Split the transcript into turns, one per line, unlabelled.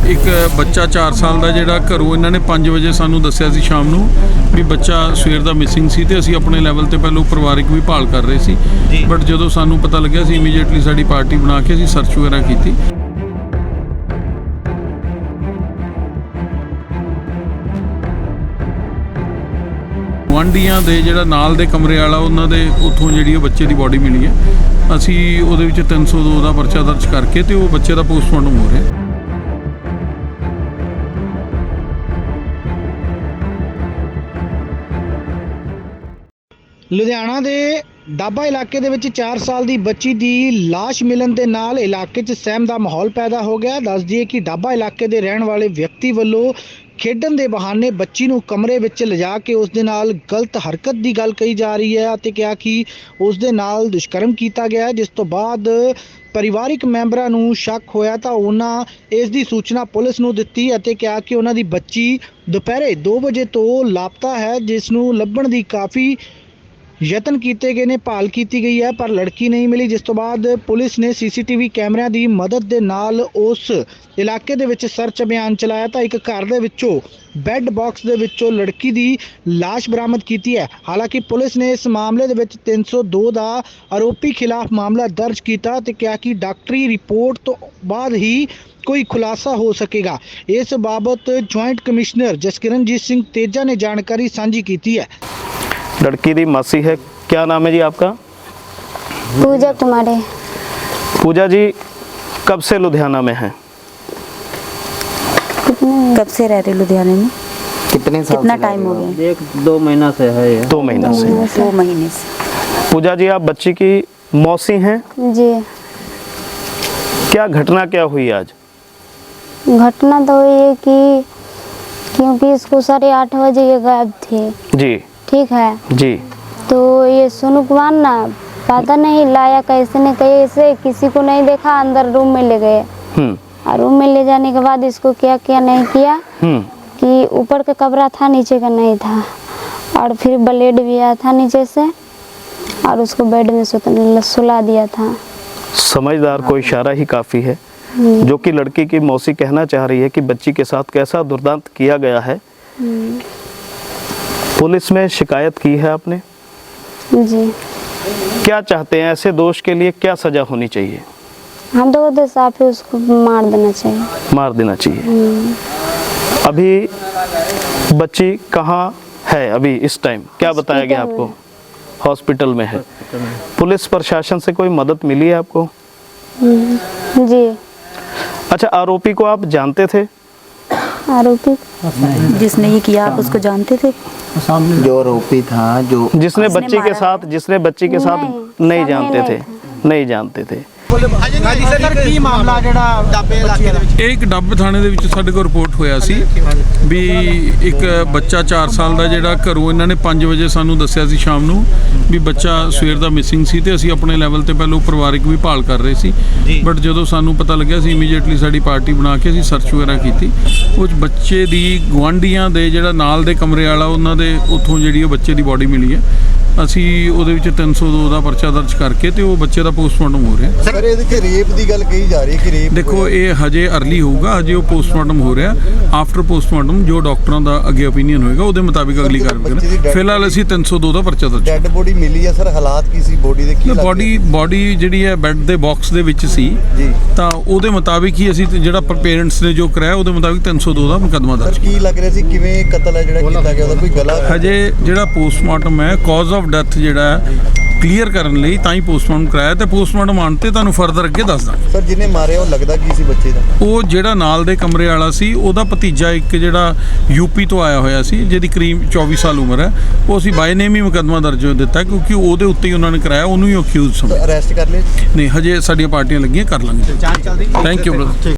एक बच्चा 4 साल का जिहड़ा घरों इन्होंने 5 बजे सानू दस्सिया सी शाम नूं भी बच्चा सवेर दा मिसिंग सी ते असीं अपने लैवल ते पहलों परिवारिक भी भाल कर रहे सी बट जदों सानू पता लग्या सी इमीडिएटली साडी पार्टी बना के असीं सर्च वगैरह कीती। ਗੁਆਂਢੀਆਂ ਦੇ ਜਿਹੜਾ ਨਾਲ ਦੇ ਕਮਰੇ ਵਾਲਾ ਉਹਨਾਂ ਦੇ ਉੱਥੋਂ ਜਿਹੜੀ ਉਹ ਬੱਚੇ ਦੀ ਬੋਡੀ ਮਿਲੀ ਹੈ। ਅਸੀਂ ਉਹਦੇ ਵਿੱਚ 302 ਦਾ ਪਰਚਾ ਦਰਜ ਕਰਕੇ ਤੇ ਉਹ ਬੱਚੇ ਦਾ ਪੋਸਟਮਾਰਟਮ ਹੋ ਰਿਹਾ।
ਲੁਧਿਆਣਾ ਦੇ ਡਾਬਾ ਇਲਾਕੇ ਦੇ ਵਿੱਚ 4 ਸਾਲ ਦੀ ਬੱਚੀ ਦੀ ਲਾਸ਼ ਮਿਲਣ ਦੇ ਨਾਲ ਇਲਾਕੇ 'ਚ ਸਹਿਮ ਦਾ ਮਾਹੌਲ ਪੈਦਾ ਹੋ ਗਿਆ। ਦੱਸ ਦਈਏ ਕਿ ਡਾਬਾ ਇਲਾਕੇ ਦੇ ਰਹਿਣ ਵਾਲੇ ਵਿਅਕਤੀ ਵੱਲੋਂ ਖੇਡਣ ਦੇ ਬਹਾਨੇ ਬੱਚੀ ਨੂੰ ਕਮਰੇ ਵਿੱਚ ਲਿਜਾ ਕੇ ਉਸ ਦੇ ਨਾਲ ਗਲਤ ਹਰਕਤ ਦੀ ਗੱਲ ਕਹੀ ਜਾ ਰਹੀ ਹੈ ਅਤੇ ਕਿਹਾ ਕਿ ਉਸ ਦੇ ਨਾਲ ਦੁਸ਼ਕਰਮ ਕੀਤਾ ਗਿਆ, ਜਿਸ ਤੋਂ ਬਾਅਦ ਪਰਿਵਾਰਿਕ ਮੈਂਬਰਾਂ ਨੂੰ ਸ਼ੱਕ ਹੋਇਆ ਤਾਂ ਉਹਨਾਂ ਇਸ ਦੀ ਸੂਚਨਾ ਪੁਲਿਸ ਨੂੰ ਦਿੱਤੀ ਅਤੇ ਕਿਹਾ ਕਿ ਉਹਨਾਂ ਦੀ ਬੱਚੀ ਦੁਪਹਿਰੇ 2 ਵਜੇ ਤੋਂ ਲਾਪਤਾ ਹੈ, ਜਿਸ ਨੂੰ ਲੱਭਣ ਦੀ ਕਾਫੀ ਯਤਨ ਕੀਤੇ ਗਏ ਨੇ, ਭਾਲ ਕੀਤੀ ਗਈ ਹੈ ਪਰ ਲੜਕੀ ਨਹੀਂ ਮਿਲੀ। ਜਿਸ ਤੋਂ ਬਾਅਦ ਪੁਲਿਸ ਨੇ ਸੀਸੀਟੀਵੀ ਕੈਮਰਿਆਂ ਦੀ ਮਦਦ ਦੇ ਨਾਲ ਉਸ ਇਲਾਕੇ ਦੇ ਵਿੱਚ ਸਰਚ ਅਭਿਆਨ ਚਲਾਇਆ ਤਾਂ ਇੱਕ ਘਰ ਦੇ ਵਿੱਚੋਂ ਬੈੱਡ ਬਾਕਸ ਦੇ ਵਿੱਚੋਂ ਲੜਕੀ ਦੀ ਲਾਸ਼ ਬਰਾਮਦ ਕੀਤੀ ਹੈ। ਹਾਲਾਂਕਿ ਪੁਲਿਸ ਨੇ ਇਸ ਮਾਮਲੇ ਦੇ ਵਿੱਚ 302 ਦਾ ਆਰੋਪੀ ਖਿਲਾਫ ਮਾਮਲਾ ਦਰਜ ਕੀਤਾ ਤੇ ਕਿਹਾ ਕਿ ਡਾਕਟਰੀ ਰਿਪੋਰਟ ਤੋਂ ਬਾਅਦ ਹੀ ਕੋਈ ਖੁਲਾਸਾ ਹੋ ਸਕੇਗਾ। ਇਸ ਬਾਬਤ ਜੁਆਇੰਟ ਕਮਿਸ਼ਨਰ ਜਸਕਿਰਨਜੀਤ ਸਿੰਘ ਤੇਜਾ ਨੇ ਜਾਣਕਾਰੀ ਸਾਂਝੀ ਕੀਤੀ ਹੈ।
लड़की दी मासी है, क्या नाम है जी आपका?
पूजा कुमारी।
पूजा जी कब से लुधियाना में है?
कब से रह रहे लुधियाने में?
कितने साल
कितना टाइम हो गया?
1-2 महीना से है ये।
2 महीना से।
2 महीने से।
पूजा जी आप बच्ची की मौसी हैं,
जी।
क्या घटना क्या हुई आज?
घटना तो हुई है कि क्योंकि इसको 8:30 बजे ये गायब थे,
जी
ठीक है
जी।
तो ये सोनू कुमार ना पता नहीं लाया कैसे न कैसे, किसी को नहीं देखा, अंदर रूम में ले गए और रूम में ले जाने के बाद इसको क्या क्या नहीं किया कि ऊपर का कमरा था, नीचे का नहीं था और फिर ब्लेड भी आया था नीचे से और उसको बेड में सुला दिया था।
समझदार को इशारा ही काफ़ी है। जो कि लड़की की मौसी कहना चाह रही है कि बच्ची के साथ कैसा दुर्दांत किया गया है। पुलिस में शिकायत की है आपने?
जी।
क्या चाहते हैं, ऐसे दोष के लिए क्या सजा होनी चाहिए?
हम तो कहते साफ ही उसको मार देना चाहिए।
मार देना चाहिए। अभी बच्ची कहाँ है अभी इस टाइम, क्या बताया गया आपको? हॉस्पिटल में है। पुलिस प्रशासन से कोई मदद मिली है आपको?
जी।
अच्छा, आरोपी को आप जानते थे?
आरोपी जिसने ये किया आप उसको जानते थे?
जो आरोपी था, जो
जिसने बच्ची के साथ नहीं जानते थे, नहीं जानते थे।
ਇਹ ਇੱਕ ਡੱਬ ਥਾਣੇ ਦੇ ਵਿੱਚ ਸਾਡੇ ਕੋਲ ਰਿਪੋਰਟ ਹੋਇਆ ਸੀ ਵੀ ਇੱਕ ਬੱਚਾ 4 ਸਾਲ ਦਾ ਜਿਹੜਾ ਘਰੋਂ ਇਹਨਾਂ ਨੇ 5 ਵਜੇ ਸਾਨੂੰ ਦੱਸਿਆ ਸੀ ਸ਼ਾਮ ਨੂੰ ਵੀ ਬੱਚਾ ਸਵੇਰ ਦਾ ਮਿਸਿੰਗ ਸੀ ਤੇ ਅਸੀਂ ਆਪਣੇ ਲੈਵਲ ਤੇ ਪਹਿਲੋਂ ਪਰਿਵਾਰਿਕ ਵੀ ਭਾਲ ਕਰ ਰਹੇ ਸੀ ਬਟ ਜਦੋਂ ਸਾਨੂੰ ਪਤਾ ਲੱਗਿਆ ਸੀ ਇਮੀਡੀਏਟਲੀ ਸਾਡੀ ਪਾਰਟੀ ਬਣਾ ਕੇ ਅਸੀਂ ਸਰਚ ਵਗੈਰਹ ਕੀਤੀ। ਉਹ ਬੱਚੇ ਦੀ ਗੁਆਂਢੀਆਂ ਦੇ ਜਿਹੜਾ ਨਾਲ ਦੇ ਕਮਰੇ ਵਾਲਾ ਉਹਨਾਂ ਦੇ ਉੱਥੋਂ ਜਿਹੜੀ ਉਹ ਬੱਚੇ ਦੀ ਬੋਡੀ ਮਿਲੀ ਹੈ। ਅਸੀਂ ਉਹਦੇ ਵਿੱਚ 302 ਦਾ ਪਰਚਾ ਦਰਜ ਕਰਕੇ ਤੇ ਉਹ ਬੱਚੇ ਦਾ ਪੋਸਟਮਾਰਟਮ ਹੋ ਰਿਹਾ।
ਸਰ ਇਹਦੇ ਕਿ ਰੇਪ ਦੀ ਗੱਲ ਕਹੀ ਜਾ ਰਹੀ ਹੈ ਕਿ ਰੇਪ
ਦੇਖੋ ਇਹ ਹਜੇ ਅਰਲੀ ਹੋਊਗਾ, ਹਜੇ ਉਹ ਪੋਸਟਮਾਰਟਮ ਹੋ ਰਿਹਾ। ਆਫਟਰ ਪੋਸਟਮਾਰਟਮ ਜੋ ਡਾਕਟਰਾਂ ਦਾ ਅੱਗੇ ਓਪੀਨੀਅਨ ਹੋਏਗਾ ਉਹਦੇ ਮੁਤਾਬਿਕ ਅਗਲੀ ਕਾਰਵਾਈ ਕਰਾਂਗੇ। ਫਿਲਹਾਲ ਅਸੀਂ 302 ਦਾ ਪਰਚਾ ਦਰਜ।
ਡੈਡ ਬੋਡੀ ਮਿਲੀ ਹੈ ਸਰ, ਹਾਲਾਤ ਕੀ ਸੀ ਬੋਡੀ ਦੇ? ਕੀ
ਬੋਡੀ ਜਿਹੜੀ ਹੈ ਬੈੱਡ ਦੇ ਬਾਕਸ ਦੇ ਵਿੱਚ ਸੀ
ਜੀ, ਤਾਂ
ਉਹਦੇ ਮੁਤਾਬਿਕ ਹੀ ਅਸੀਂ ਜਿਹੜਾ ਪੇਰੈਂਟਸ ਨੇ ਜੋ ਕਰਾਇਆ ਉਹਦੇ ਮੁਤਾਬਿਕ 302 ਦਾ ਮੁਕੱਦਮਾ ਦਰਜ।
ਕੀ ਲੱਗ ਰਿਹਾ ਸੀ ਕਿਵੇਂ ਕਤਲ ਹੈ ਜਿਹੜਾ ਕੀਤਾ ਗਿਆ, ਉਹਦਾ ਕੋਈ ਗਲਾ?
ਹਜੇ ਜਿਹੜਾ ਪੋਸਟਮਾਰਟਮ ਹੈ ਕਾਜ਼ ਆਫ ਡੈਥ ਜਿਹੜਾ ਕਲੀਅਰ ਕਰਨ ਲਈ ਤਾਂ ਹੀ ਪੋਸਟਮਾਰਟਮ ਕਰਾਇਆ ਤੇ ਪੋਸਟਮਾਰਟਮ ਆਉਣ ਤੇ ਤੁਹਾਨੂੰ ਫਰਦਰ ਅੱਗੇ ਦੱਸ ਦਾਂਗੇ।
ਸਰ ਜਿਹਨੇ ਮਾਰਿਆ ਉਹ ਲੱਗਦਾ ਕੀ ਸੀ ਬੱਚੇ ਦਾ?
ਉਹ ਜਿਹੜਾ ਨਾਲ ਦੇ ਕਮਰੇ ਵਾਲਾ ਸੀ ਉਹਦਾ ਭਤੀਜਾ ਇੱਕ ਜਿਹੜਾ ਯੂਪੀ ਤੋਂ ਆਇਆ ਹੋਇਆ ਸੀ ਜਿਹਦੀ ਕਰੀਬ 24 ਸਾਲ ਉਮਰ ਹੈ। ਉਹ ਅਸੀਂ ਬਾਈ ਨੇਮ ਹੀ ਮੁਕੱਦਮਾ ਦਰਜ ਦਿੱਤਾ ਕਿਉਂਕਿ ਉਹਦੇ ਉੱਤੇ ਹੀ ਉਹਨਾਂ ਨੇ ਕਰਾਇਆ, ਉਹਨੂੰ ਹੀ ਅਕਿਊਜ਼ ਸਮਝ।
ਅਰੈਸਟ ਕਰ ਲਿਆ?
ਨਹੀਂ, ਹਜੇ ਸਾਡੀਆਂ ਪਾਰਟੀਆਂ ਲੱਗੀਆਂ, ਕਰ ਲਾਂਗੇ। Thank you brother.